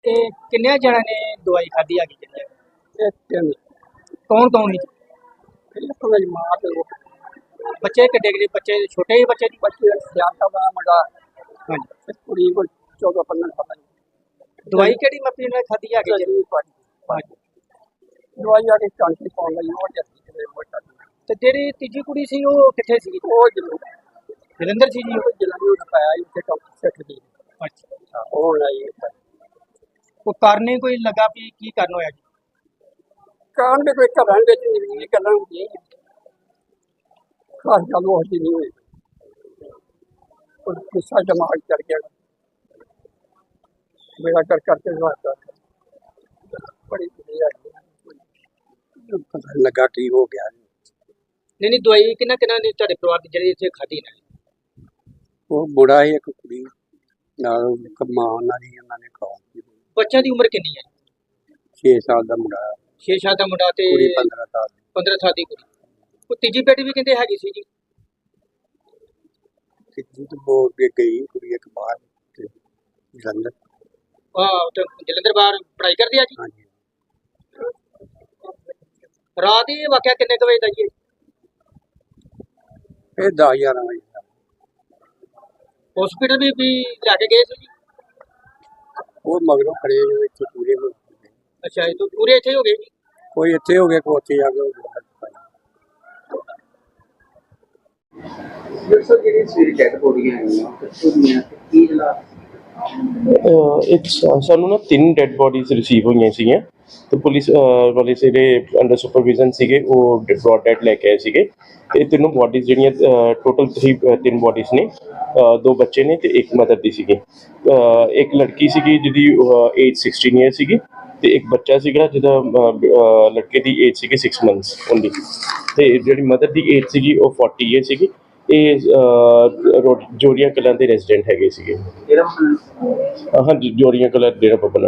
ਇਹ ਕਿੰਨੇ ਜਣਾਂ ਨੇ ਦਵਾਈ ਖਾਧੀ ਹੈਗੀ ਜਿੰਨੇ ਇਹ ਤਿੰਨ ਕੌਣ ਕੌਣ ਸੀ ਇੱਕ ਮੇਰੀ ਮਾਂ ਤੇ ਉਹ ਬੱਚੇ ਕਿੱਡੇ ਕਿੱਡੇ ਬੱਚੇ ਛੋਟੇ ਹੀ ਬੱਚੇ ਦੀ ਬੱਚੇ ਸਿਆਣਾ ਦਾ ਮੁੰਡਾ ਹਾਂਜੀ ਤੇ ਕੁੜੀ ਕੋਲ 14-15 ਸਾਲਾਂ ਦੀ ਦਵਾਈ ਕਿਹੜੀ ਮੱਪੀ ਨਾਲ ਖਾਧੀ ਹੈਗੀ ਜੀ ਹਾਂਜੀ ਦਵਾਈ ਆ ਕੇ ਚਾਂਟੀ ਪਾਉਣ ਲਈ ਉਹ ਜੱਤੀ ਕਿਤੇ ਮੋਟਾ ਤੇ ਜਿਹੜੀ ਤੀਜੀ ਕੁੜੀ ਸੀ ਉਹ ਕਿੱਥੇ ਸੀ ਉਹ ਜਦੋਂ ਜਲੰਧਰ ਸੀ ਜੀ ਉਹ ਜਲੰਧਰ ਨੂੰ ਪਾਇਆ ਇੱਥੇ ਡਾਕਟਰ ਸੈੱਟ ਦੀ ਅੱਛਾ ਉਹ ਲਈ ਉਹ ਕਾਰਨ ਹੀ ਕੋਈ ਲੱਗਾ ਵੀ ਕੀ ਕਰਨ ਹੋਇਆ ਜੀ ਕਾਰਨ ਦੇ ਕੋਈ ਘਰਾਂ ਵਿੱਚ ਨਹੀਂ ਗੱਲਾਂ ਹੁੰਦੀਆਂ ਖਾਸ ਗੱਲ ਉਹ ਨਹੀਂ ਹੋਈ ਉਹ ਗੁੱਸਾ ਦਿਮਾਗ ਚੜ ਗਿਆ ਮੇਰਾ ਕਰਕੇ ਵਾਸਤਾ ਬੜੀ ਵਧੀਆ ਪਤਾ ਲੱਗਾ ਕੀ ਹੋ ਗਿਆ ਨਹੀਂ ਦਵਾਈ ਕਿੰਨਾ ਨੇ ਤੁਹਾਡੇ ਪਰਿਵਾਰ ਦੀ ਜਿਹੜੀ ਇੱਥੇ ਖਾਧੀ ਨੇ ਉਹ ਬੁੜਾ ਹੀ ਇੱਕ ਕੁੜੀ ਨਾਲ ਮਾਂ ਉਹਨਾਂ ਦੀ ਉਹਨਾਂ ਨੇ ਖਾਧੀ ਬੱਚਿਆਂ ਦੀ ਉਮਰ ਕਿੰਨੀ ਹੈ 6 ਸਾਲ ਦਾ ਮੁੰਡਾ 6 ਸਾਲ ਦਾ ਮੁੰਡਾ ਤੇ ਕੁੜੀ 15 ਸਾਲ ਦੀ 15 ਸਾਲ ਦੀ ਕੁੜੀ ਉਹ ਤੀਜੀ ਬੇਟੀ ਵੀ ਕਹਿੰਦੇ ਹੈਗੀ ਸੀ ਜੀ ਕਿੱਥੇ ਤੋਂ ਬੋਲ ਕੇ ਗਈ ਕੁੜੀ ਇੱਕ ਬਾਹਰ ਤੇ ਜਲੰਧਰ ਤੇ ਜਲੰਧਰ ਬਾਹਰ ਪੜ੍ਹਾਈ ਕਰਦੀ ਆ ਜੀ ਹਾਂਜੀ ਰਾਤ ਹੀ ਵਾਕਿਆ ਕਿੰਨੇ ਕੁ ਵਜੇ ਦਾ ਜੀ ਇਹ 10-11 ਵਜੇ ਦਾ ਹਸਪੀਟਲ ਵੀ ਲੈ ਕੇ ਗਏ ਸੀ ਜੀ ਉਹ ਮਗਰੋਂ ਖੜੇ ਜੋ ਇੱਥੇ ਪੂਰੇ ਹੋ ਗਏ ਅੱਛਾ ਇਹ ਤਾਂ ਪੂਰੇ ਇੱਥੇ ਹੋ ਗਏ ਜੀ ਕੋਈ ਇੱਥੇ ਹੋ ਗਿਆ ਕੋਈ ਉੱਥੇ ਜਾ ਕੇ ਹੋ ਗਿਆ ਸਰ ਜਿਹੜੀ ਸਵੇਰੇ ਡੈਡ ਬੋਡੀਆਂ ਆਈਆਂ ਕਿੱਥੋਂ ਦੀਆਂ ਤੇ ਕੀ ਹਾਲਾਤ ਸਾਨੂੰ ਨਾ 3 ਡੈਡ ਬੋਡੀਜ਼ ਰਿਸੀਵ ਹੋਈਆਂ ਸੀਗੀਆਂ ਤੇ ਪੁਲਿਸ ਵਾਲੇ ਜਿਹੜੇ ਅੰਡਰ ਸੁਪਰਵਿਜ਼ਨ ਸੀਗੇ ਉਹ ਬ੍ਰੌਡ ਡੈਡ ਲੈ ਕੇ ਆਏ ਸੀਗੇ ਤੇ ਤਿੰਨੋਂ ਬੋਡੀਜ਼ ਜਿਹੜੀਆਂ ਟੋਟਲ 3 ਬੋਡੀਜ਼ ਨੇ 2 ਬੱਚੇ ਨੇ ਤੇ ਇੱਕ ਮਦਰ ਦੀ ਸੀਗੀ ਇੱਕ ਲੜਕੀ ਸੀਗੀ ਜਿਹਦੀ ਏਜ 16 ਇਅਰ ਸੀਗੀ ਤੇ ਇੱਕ ਬੱਚਾ ਸੀਗਾ ਜਿਹਦਾ ਲੜਕੇ ਦੀ ਏਜ ਸੀਗੀ 6 ਮੰਥਸ ਓਨਲੀ ਤੇ ਜਿਹੜੀ ਮਦਰ ਦੀ ਏਜ ਸੀਗੀ ਉਹ 40 ਇਅਰ ਸੀਗੀ ਇਹ ਜੋਰੀਆਂ ਕਲਾਂ ਦੇ ਰੈਜ਼ੀਡੈਂਟ ਹੈਗੇ ਸੀਗੇ ਹਾਂਜੀ ਜੋਰੀਆਂ ਕਲਾਂ ਡੇਰਾ ਬਾਬਾ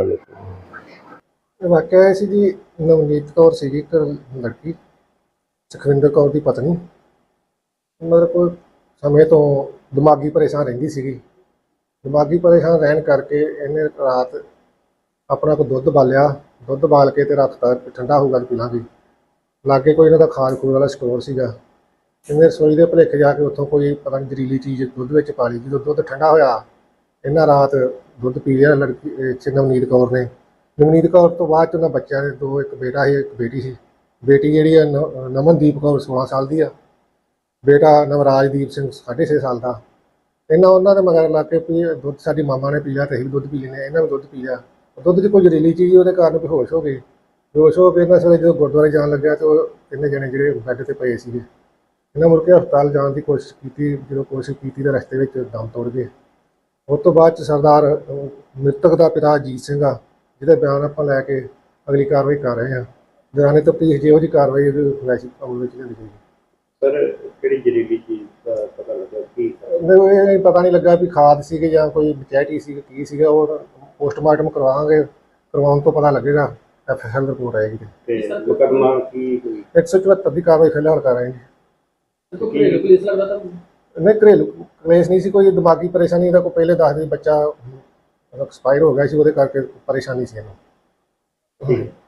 ਨਾਨਕ ਵਾਕਿਆ ਇਹ ਸੀ ਜੀ ਨਵਨੀਤ ਕੌਰ ਸੀਗੀ ਇੱਕ ਲੜਕੀ ਸੁਖਵਿੰਦਰ ਕੌਰ ਦੀ ਪਤਨੀ ਮਤਲਬ ਕੋਈ ਸਮੇਂ ਤੋਂ ਦਿਮਾਗੀ ਪਰੇਸ਼ਾਨ ਰਹਿੰਦੀ ਸੀਗੀ ਦਿਮਾਗੀ ਪਰੇਸ਼ਾਨ ਰਹਿਣ ਕਰਕੇ ਇਹਨੇ ਰਾਤ ਆਪਣਾ ਕੋਈ ਦੁੱਧ ਬਾਲ ਕੇ ਤੇ ਰਾਤ ਤੱਕ ਠੰਡਾ ਹੋਊਗਾ ਪੀ ਲਾਂਗੇ ਲਾਗੇ ਕੋਈ ਇਹਨਾਂ ਦਾ ਖਾਣ ਖੂਨ ਵਾਲਾ ਸਟੋਰ ਸੀਗਾ ਇਹਨੇ ਰਸੋਈ ਦੇ ਭੁਲੇਖੇ ਜਾ ਕੇ ਉੱਥੋਂ ਕੋਈ ਪਤਾ ਨਹੀਂ ਜ਼ਹਿਰੀਲੀ ਚੀਜ਼ ਦੁੱਧ ਵਿੱਚ ਪਾ ਲਈ ਜਦੋਂ ਦੁੱਧ ਠੰਡਾ ਹੋਇਆ ਇਹਨਾਂ ਰਾਤ ਦੁੱਧ ਪੀ ਲਿਆ ਲੜਕੀ ਨਵਨੀਤ ਕੌਰ ਨੇ ਨਵਨੀਤ ਕੌਰ ਤੋਂ ਬਾਅਦ 'ਚ ਉਹਨਾਂ ਬੱਚਿਆਂ ਦੇ 2 ਇੱਕ ਬੇਟਾ ਸੀ ਇੱਕ ਬੇਟੀ ਸੀ ਬੇਟੀ ਜਿਹੜੀ ਆ ਨਮਨਦੀਪ ਕੌਰ 16 ਸਾਲ ਦੀ ਆ ਬੇਟਾ ਨਵਰਾਜਦੀਪ ਸਿੰਘ 6.5 ਸਾਲ ਦਾ ਉਹਨਾਂ ਦੇ ਮਗਰ ਲਾ ਕੇ ਵੀ ਦੁੱਧ ਸਾਡੀ ਮਾਮਾ ਨੇ ਪੀ ਲਿਆ ਤੇ ਅਸੀਂ ਵੀ ਦੁੱਧ ਪੀ ਲੈਂਦੇ ਇਹਨਾਂ ਵੀ ਦੁੱਧ ਪੀ ਲਿਆ ਦੁੱਧ 'ਚ ਕੋਈ ਜ਼ਹਿਰੀਲੀ ਚੀਜ਼ ਉਹਦੇ ਕਾਰਨ ਬੇਹੋਸ਼ ਹੋ ਗਏ ਇਹਨਾਂ ਸਵੇਰੇ ਜਦੋਂ ਗੁਰਦੁਆਰੇ ਜਾਣ ਲੱਗਿਆ ਤਾਂ ਉਹ ਤਿੰਨੇ ਜਣੇ ਜਿਹੜੇ ਬੈੱਡ 'ਤੇ ਪਏ ਸੀਗੇ ਇਹਨਾਂ ਮੁੜ ਕੇ ਹਸਪਤਾਲ ਜਾਣ ਦੀ ਕੋਸ਼ਿਸ਼ ਕੀਤੀ ਜਦੋਂ ਕੋਸ਼ਿਸ਼ ਕੀਤੀ ਤਾਂ ਰਸਤੇ ਵਿੱਚ ਦਮ ਤੋੜ ਗਏ ਉਸ ਤੋਂ ਬਾਅਦ 'ਚ ਸਰਦਾਰ ਮ੍ਰਿਤਕ ਦਾ ਪਿਤਾ ਅਜੀਤ ਸਿੰਘ ਆ ਜਿਹਦੇ ਬਿਆਨ ਆਪਾਂ ਲੈ ਕੇ ਅਗਲੀ ਕਾਰਵਾਈ ਕਰ ਰਹੇ ਹਾਂ ਦੌਰਾਨੇ ਤਫਤੀਸ਼ ਜਿਹੋ ਜਿਹੀ ਕਾਰਵਾਈ ਵੈਸੀ ਅਮਲ ਵਿੱਚ ਲਿਆਂਦੀ ਜਾਏਗੀ ਸਰ ਕਿਹੜੀ ਜ਼ਹਿਰੀਲੀ ਚੀਜ਼ ਦਾ ਪਤਾ ਲੱਗਾ ਕੀ ਇਹ ਪਤਾ ਨਹੀਂ ਲੱਗਾ ਵੀ ਖਾਦ ਸੀਗੇ ਜਾਂ ਕੋਈ ਬਚੈਟੀ ਸੀ ਕੀ ਸੀਗਾ ਉਹ ਪੋਸਟਮਾਰਟਮ ਕਰਵਾਉਣ ਤੋਂ ਪਤਾ ਲੱਗੇਗਾ FSL ਰਿਪੋਰਟ ਆਏਗੀ ਤੇ ਮੁਕੱਦਮਾ ਕੀ ਹੋਈ 174 ਦੀ ਕਾਰਵਾਈ ਫਿਲਹਾਲ ਕਰ ਰਹੇ ਹਾਂ ਨਹੀਂ ਘਰੇਲੂ ਕਲੇਸ਼ ਨਹੀਂ ਸੀ ਕੋਈ ਦਿਮਾਗੀ ਪਰੇਸ਼ਾਨੀ ਦਾ ਕੋਈ ਪਹਿਲੇ ਦੱਸਦੇ ਬੱਚਾ ਐਕਸਪਾਇਰ ਹੋ ਗਿਆ ਸੀ ਉਹਦੇ ਕਰਕੇ ਪਰੇਸ਼ਾਨੀ ਸੀ ਇਹਨੂੰ